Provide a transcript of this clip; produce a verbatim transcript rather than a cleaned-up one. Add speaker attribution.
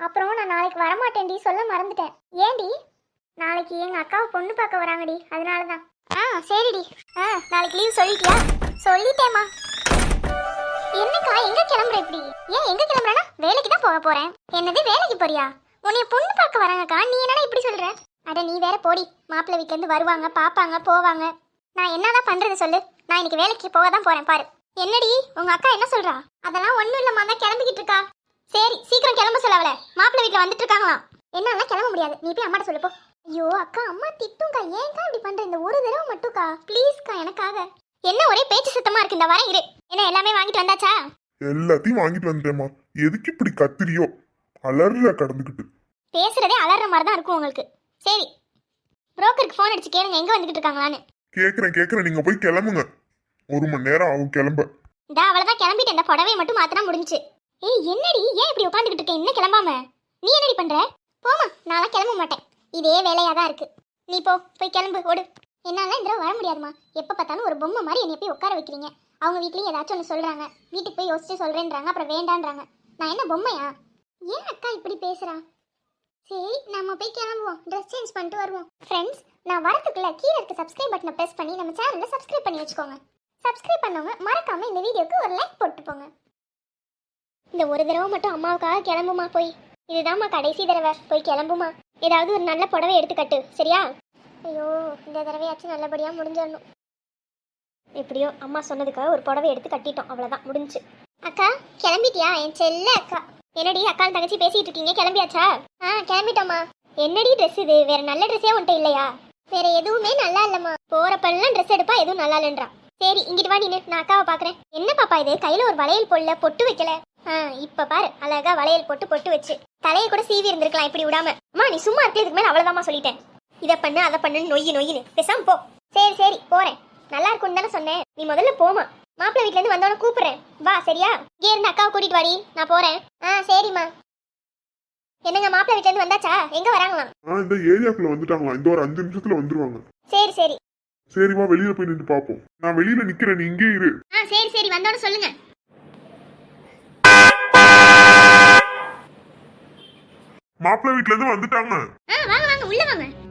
Speaker 1: அப்புறம் நான் நாளைக்கு வரமாட்டேன்டி, சொல்ல மறந்துட்டேன். ஏன்டி? நாளைக்கு எங்க அக்காவை பொண்ணு பார்க்க வராங்கடி, அதனாலதான். ஆ சரிடி. ஆ நாளைக்கு லீவ் சொல்லிட்டியா? சொல்லிட்டேம்மா. என்னக்கா எங்க கிளம்புற இப்படி? ஏன் எங்க கிளம்புறனா? வேலைக்கு தான் போக போறேன். என்னது வேலைக்கு போறியா? உன்னைய பொண்ணு பார்க்க வராங்கக்கா, நீ என்னடா இப்படி சொல்ற? அட நீ வேற போடி. மாப்பிள்ளை வீட்டுல இருந்து வருவாங்க, பாப்பாங்க, போவாங்க. நான் என்னதான் பண்றது சொல்லு? நான் இன்னைக்கு வேலைக்கு போக தான் போறேன் பாரு. என்னடி உங்க அக்கா என்ன சொல்றா? அதெல்லாம் ஒண்ணும் இல்லம்மா, தான் கிளம்பிக்கிட்டு இருக்கா. சரி சீக்கிரம் கிளம்ப சொல்ல அவளை, மாப்பிள்ளை வீட்டுல வந்துட்டு இருக்காங்களாம். என்னால கிளம்ப முடியாது, நீ போய் அம்மாட்ட சொல்லு போ. ஐயோ அக்கா, அம்மா திட்டும்க்கா, ஏன்க்கா இப்படி பண்ற? இந்த ஒரு தடவை மட்டும்க்கா ப்ளீஸ்க்கா எனக்காக. என்ன ஒரே பேச்சு சத்தமா இருக்கு, இந்த வரேன் இரு. என்ன எல்லாமே வாங்கிட்டு வந்தாச்சா?
Speaker 2: எல்லாத்தையும் வாங்கிட்டு வந்துட்டேம்மா. எதுக்கு இப்படி கத்திரியோ? அலற கடந்துக்கிட்டு
Speaker 1: பேசுறதே அலற மாதிரி தான் இருக்கும் உங்களுக்கு. சரி புரோக்கருக்கு ஃபோன் அடிச்சு கேளுங்க எங்க வந்துகிட்டு இருக்காங்களான்னு.
Speaker 2: கேக்குறேன் கேக்குறேன், நீங்க போய் கிளம்புங்க. ஒரு மணி நேரம் ஆகும் கிளம்ப.
Speaker 1: இந்த அவளதான் கிளம்பிட்டு, இந்த புடவையை மட்டும் மாத்தினா முடிஞ்சு. ஏய் என்னடி, ஏன் இப்படி உட்காந்துக்கிட்டு இருக்க இன்னும் கிளம்பாம? நீ என்னடி பண்ற? போமா, நான்லாம் கிளம்ப மாட்டேன். இதே வேலையா தான் இருக்கு. நீ போ, போய் கிளம்பு ஓடு. என்னால இந்த வர முடியாதுமா. எப்ப பார்த்தாலும் ஒரு பொம்மை மாதிரி என்னை போய் உட்கார வைக்கிறீங்க. அவங்க வீட்லயும் ஏதாச்சும் ஒன்று சொல்றாங்க, வீட்டுக்கு போய் யோசிச்சு சொல்றேன்றாங்க, அப்புறம் வேண்டான்றாங்க. நான் என்ன பொம்மையா? ஏன் அக்கா இப்படி பேசுறா? சரி நம்ம போய் கிளம்புவோம், ட்ரெஸ் சேஞ்ச் பண்ணிட்டு வருவோம். ஃப்ரெண்ட்ஸ், நான் வரதுக்குள்ள கீழே இருக்க சப்ஸ்கிரைப் பட்டனை பிரஸ் பண்ணி நம்ம சேனலை சப்ஸ்கிரைப் பண்ணி வச்சுக்கோங்க. சப்ஸ்கிரைப் பண்ணவங்க மறக்காம இந்த வீடியோக்கு ஒரு லைக் போட்டு போங்க. இந்த ஒரு தடவை மட்டும் அம்மாவுக்காக கிளம்புமா போய். இதுதான்மா கடைசி தடவை, போய் கிளம்புமா. ஏதாவது ஒரு நல்ல புடவை எடுத்து கட்டு, சரியா? ஐயோ இந்த தடவையாச்சும் நல்லபடியா முடிஞ்சிடணும். எப்படியோ அம்மா சொன்னதுக்காக ஒரு புடவை எடுத்து கட்டிட்டோம், அவ்வளவுதான் முடிஞ்சு. அக்கா கிளம்பிட்டியா என் செல்ல அக்கா? என்னடி அக்கா தங்கச்சி பேசிட்டு இருக்கீங்க, கிளம்பியாச்சா? ஆ கிளம்பிட்டோமா. என்னடி ட்ரெஸ் இது? வேற நல்ல ட்ரெஸ்ஸே உன்ட்ட இல்லையா? வேற எதுவுமே நல்லா இல்லம்மா. போறப்பெல்லாம் ட்ரெஸ் எடுப்பா, எதுவும் நல்லா இல்லைன்றா. சரி இங்கிட்டு வா நீனு, நான் அக்காவை பாக்குறேன். என்ன பாப்பா இது, கையில ஒரு வளையல் போடல, பொட்டு வைக்கல. ஆ இப்ப பாரு, அழகா வளையல் போட்டு பொட்டு வச்சு தலையை கூட சீவி இருந்திருக்கலாம் இப்படி விடாம. அம்மா நீ சும்மா இருக்கிறதுக்கு மேல அவ்வளவுதாம்மா சொல்லிட்டேன். இதை பண்ணு அதை பண்ணு நொய்யு நொய்யுன்னு பேசாம போ. சரி சரி போறேன், நல்லா இருக்கும்னு தானே சொன்னேன். நீ முதல்ல போமா. மாப்பிள்ளை வீட்டுல இருந்து வந்தோன்னு கூப்பிடுறேன், வா சரியா? இங்கே இருந்து அக்காவை கூட்டிட்டு வாடி, நான் போறேன். ஆ சரிம்மா. என்னங்க மாப்பிள்ளை வீட்டுல இருந்து வந்தாச்சா? எங்க வராங்களாம்?
Speaker 2: ஆ இந்த ஏரியாக்குள்ள வந்துட்டாங்களா, இந்த ஒரு அஞ்சு நிமிஷத்துல வந்துருவாங்க.
Speaker 1: சரி சரி.
Speaker 2: சரிம்மா, வெளியில போய் நின்று பாப்போம். நான் வெளியில நிக்கிறேன், நீ இங்கே இரு.
Speaker 1: ஆ சரி சரி, வந்தோன்னு சொல்லுங்க.
Speaker 2: மாப்பிள்ளை வீட்டுல இருந்து வந்துட்டாங்க.
Speaker 1: ஆ வாங்க வாங்க உள்ள வாங்க.